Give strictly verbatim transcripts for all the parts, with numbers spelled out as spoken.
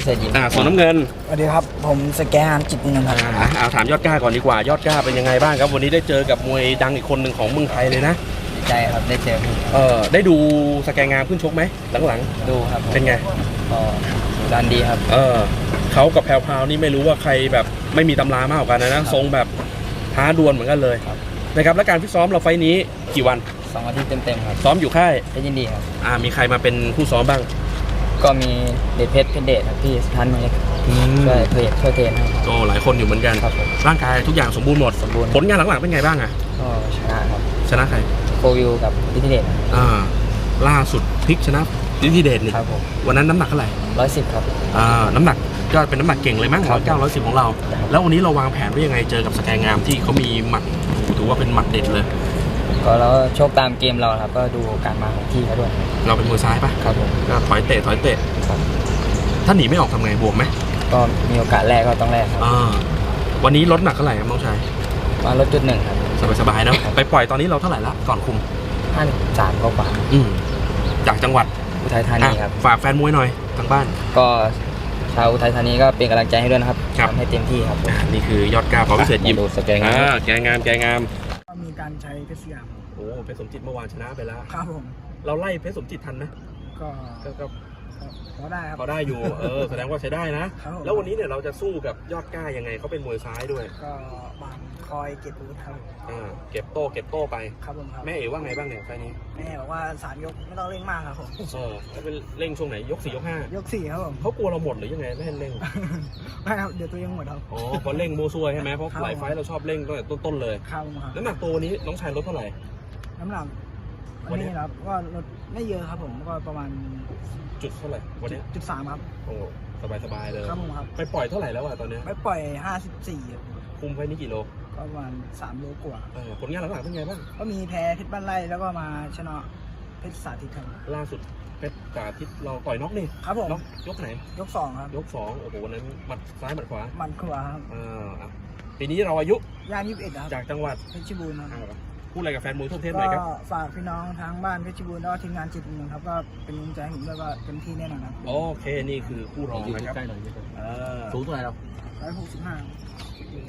เศรษฐยิมอ่าส่วนน้ำเงินสวัสดีครับผมสแกนจิตเงินครับอ่าเอาถามยอดกล้าก่อนดีกว่ายอดกล้าเป็นยังไงบ้างครับวันนี้ได้เจอกับมวยดังอีกคนหนึ่งของเมืองไทยเลยนะดีใจครับได้เจอเออได้ดูสแกนงามขึ้นชกไหมหลังๆดูครับเป็นไงก็ดันดีครับเออเขากับแพรวพราวนี่ไม่รู้ว่าใครแบบไม่มีตำรามากกว่ากันนะทรงแบบท้าดวลเหมือนกันเลยนะครับและการฟิตซ้อมเราไฟนี้กี่วันสองอาทิตย์เต็มๆครับซ้อมอยู่ค่ายเพชรยินดีครับอ่ามีใครมาเป็นผู้ซ้อมบ้างก็มีเดชเพชรเพชรเดชครับพี่ท่านมาเลยช่วยเพจช่วยเทรนให้โอ้หลายคนอยู่เหมือนกันครับร่างกายทุกอย่างสมบูรณ์หมดสมบูรณ์ผลงานหลังๆเป็นไงบ้างอ่ะก็ชนะครับชนะใครโควิวกับพิธีเดชอ่าล่าสุดพลิกชนะพิธีเดชนี่ครับผมวันนั้นน้ำหนักเท่าไหร่ร้อยสิบครับอ่าน้ำหนักก็เป็นน้ำหนักเก่งเลยมั้งร้อยเก้าร้อยสิบของเราแล้ววันนี้เราวางแผนไว้ยังไงเจอกับสแกนงามที่เขามีหมัดถือว่าเป็นหมัดเด็ดเลยก็แล้วโชคตามเกมเราครับก็ดูการมาของที่เขาด้วยเราเป็นมือซ้ายปะครับผมก็ถอยเตะถอยเตะถ้าหนีไม่ออกทำไงบวกไหมก็มีโอกาสแรกก็ต้องแรกครับวันนี้ลดหนักเท่าไหร่ครับน้องชายมาลดจุดหนึ่งครับสบายๆเนาะไปปล่อยตอนนี้เราเท่าไหร่ละก่อนคุมห้าสามก็กว่าจากจังหวัดอุทัยธานีครับฝากแฟนมวยหน่อยทางบ้านก็ชาวอุทัยธานีก็เป็นกำลังใจให้ด้วยนะครับทำให้เต็มที่ครับนี่คือยอดกล้าพอพิเศษยิมสแกนงามแกงามแกงามมีการใช้เพชรสยามโอ้เพชรสมจิตเมื่อวานชนะไปแล้วครับผมเราไล่เพชรสมจิตทันไหมก็ก็พอได้ครับพอได้อยู่เออแสดงว่าใช้ได้นะแล้ววันนี้เนี่ยเราจะสู้กับยอดกล้ายังไงเขาเป็นมวยซ้ายด้วยก็บางคอยเก็บอาวุธครับอ่าเก็บโต้เก็บโต้ไปครับผมครับแม่เอ๋ว่าไงบ้างเนี่ยไฟนี้แม่บอกว่าสามยกไม่ต้องเร่งมากครับผมเออแล้วเป็นเร่งช่วงไหนยกสี่ยกห้ายกสี่ครับผมเขากลัวเราหมดหรือยังไงไม่ให้เร่งไม่ครับเดี๋ยวตัวยังหมดครับอ๋อพอเร่งโมซัวใช่ไหมเพราะหลายไฟเราชอบเร่งตั้งแต่ต้นๆเลยครับครับน้ำหนักตัวนี้น้องชายลดเท่าไหร่น้ำหนักวันนี้ครับก็ลดไม่เยอะครับผมก็ประมาณจุดเท่าไหร่วันนี้จุดสามครับโอ้สบายสบายเลยครับผมครับไปปล่อยเท่าไหร่แล้วอะตอนนี้ไปปล่อยห้าสิบสี่คุมไฟนี้กี่โลประมาณสามโลกว่าผลงานหลังๆเป็นไงบ้างก็มีแพ้เพชรบ้านไร่แล้วก็มาชนะเพชรสาธิตครับล่าสุดเพชรสาธิตเราต่อยน็อกนี่ครับผมยกไหนยกสองครับยกสองโอ้โหวันนั้นหมัดซ้ายหมัดขวาหมัดขวาครับอ่าปีนี้เราอายุย่างยี่สิบเอ็ดครับจากจังหวัดเพชรบูรณ์ครับพูดอะไรกับแฟนมวยทั่วประเทศหน่อยครับก็ฝากพี่น้องทั้งบ้านเพชรบูรณ์แล้วก็ทีมงานจิตเมืองครับก็เป็นกำลังใจให้ผมด้วยว่าเต็มที่แน่นอนครับโอเคนี่คือคู่รองนะครับใกล้หน่อยสูงเท่าไหร่เราร้อยหกสิบห้า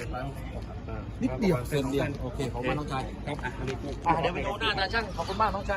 นิดเดียวเซนเดียวโอเคขอบคุณมากน้องชายครับอ่ะเดี๋ยวไปดูหน้าตาช่างขอบคุณมากน้องชาย